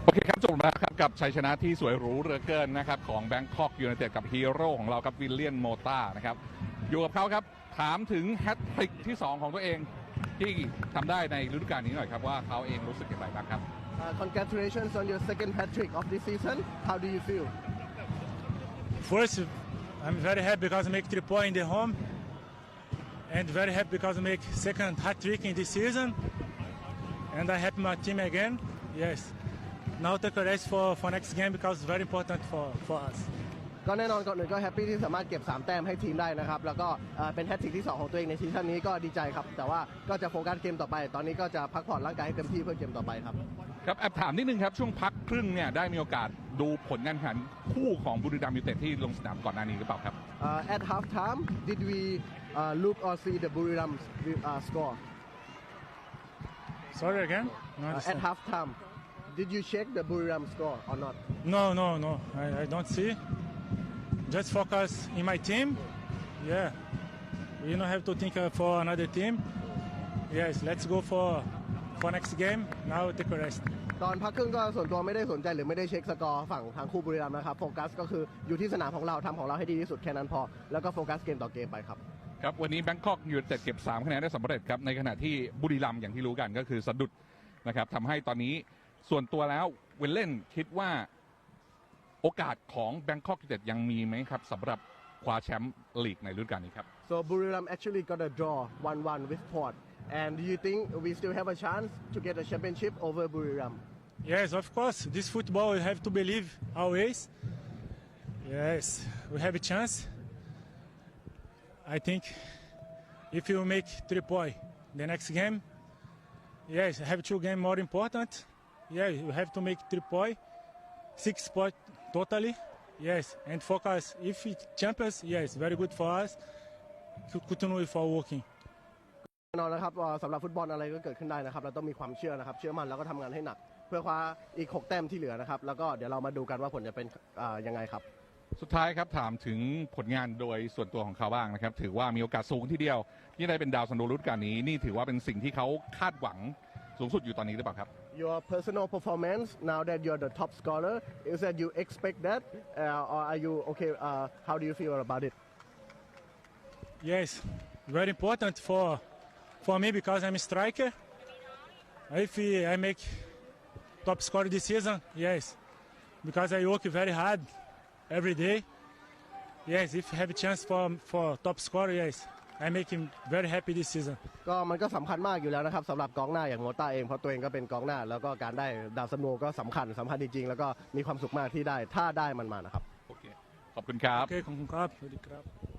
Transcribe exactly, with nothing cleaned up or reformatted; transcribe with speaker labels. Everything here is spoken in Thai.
Speaker 1: โอเคครับจบแล้วครับกับชัยชนะที่สวยหรูเหลือเกินนะครับของแบงคอกยูไนเต็ดกับฮีโร่ของเราครับวิลเลียนโมต้านะครับอยู่กับเขาครับถามถึงแฮตทริกที่สองของตัวเองที่ทำได้ในฤดูกาลนี้หน่อยครับว่าเขาเองรู้สึกอย่างไรบ้างครับ
Speaker 2: Uh, congratulations on your second hat trick of this season. How do you feel?
Speaker 3: First, I'm very happy because I make three points in the home, and very happy because I make second hat trick in this season, and I help my team again. Yes. Now take a rest for for next game because it's very important for for us.
Speaker 2: ก็แน่นอนก่อนอื่นก็แฮปปี้ที่สามารถเก็บสามแต้มให้ทีมได้นะครับแล้วก็เป็นแฮตทริกที่สองของตัวเองในซีซั่นนี้ก็ดีใจครับแต่ว่าก็จะโฟกัสเกมต่อไปตอนนี้ก็จะพักผ่อนร่างกายให้เต็มที่เพื่อเกมต่อไปครับ
Speaker 1: ครับแอบถามนิดนึงครับช่วงพักครึ่งเนี่ยได้มีโอกาสดูผลงานแข่งขันคู่ของบุรีรัมย์ยูไนเต็ดที่ลงสนามก่อนหน้านี้หรือเปล่าครับ
Speaker 2: uh, At half time did we uh, look or see the Buriram uh, score
Speaker 3: Sorry again. No,
Speaker 2: uh, At half time did you check the Buriram score or not
Speaker 3: no, no, no. I, I don't see. Just focus in my team. Yeah. You don't have to think uh, for another team. Yes, let's go for for next game. Now take a rest.
Speaker 2: ตอนพักครึ่งก็ส่วนตัวไม่ได้สนใจหรือไม่ได้เช็คสกอร์ฝั่งทางคู่บุรีรัมย์นะครับโฟกัสก็คืออยู่ที่สนามของเราทำของเราให้ดีที่สุดแค่นั้นพอแล้วก็โฟกัสเกมต่อเกมไปครับ
Speaker 1: ครับวันนี้แบงคอกยูไนเต็ดเก็บสามคะแนนได้สำเร็จครับในขณะที่บุรีรัมย์อย่างที่รู้กันก็คือสะดุดนะครับทำให้ตอนนี้ส่วนตัวแล้วเวลเล่นคิดว่าโอกาสของแบงคอกยูไนเต็ดยังมีไหมครับสำหรับคว้าแชมป์ลีกในฤดูกาลนี้ครับ
Speaker 2: So Buriram actually got a draw one one with Port and do you think we still have a chance to get a championship over Buriram
Speaker 3: Yes, of course. This football we have to believe always. Yes, we have a chance. I think if you make three points the next game, yes, have two games more important. Yeah, you have to make three points, six points totally. Yes, and focus. If it champions, yes, very good for us. Continue for working.
Speaker 2: แน่นอนนะครับสำหรับฟุตบอลอะไรก็เกิดขึ้นได้นะครับเราต้องมีความเชื่อนะครับเชื่อมั่นแล้วก็ทำงานให้หนักเพื่อคว้าอีกหกแต้มที่เหลือนะครับแล้วก็เดี๋ยวเรามาดูกันว่าผลจะเป็นยังไงครับ
Speaker 1: สุดท้ายครับถามถึงผลงานโดยส่วนตัวของเขาบ้างนะครับถือว่ามีโอกาสสูงทีเดียวที่ได้เป็นดาวซันโดฤดูกาลนี้นี่ถือว่าเป็นสิ่งที่เขาคาดหวังสูงสุดอยู่ตอนนี้หรือเปล่าครับ
Speaker 2: Your personal performance now that you're the top scorer is that you expect that uh, or are you okay uh, how do you feel about it
Speaker 3: Yes, very important for for me because I'm a striker. If I make top scorer this season, yes, because I work very hard every day. Yes, if I have a chance for for top scorer, yes, I make him very happy this season.
Speaker 2: ก็มันก็สำคัญมากอยู่แล้วนะครับสำหรับกองหน้าอย่างโมต้าเองเพราะตัวเองก็เป็นกองหน้าแล้วก็การได้ดาวซันโดก็สำคัญสำคัญจริงๆแล้วก็มีความสุขมากที่ได้ถ้าได้มันมานะครับ
Speaker 1: โอเคขอบคุณครับ
Speaker 3: โอเคขอบคุณครับสวัสดีครับ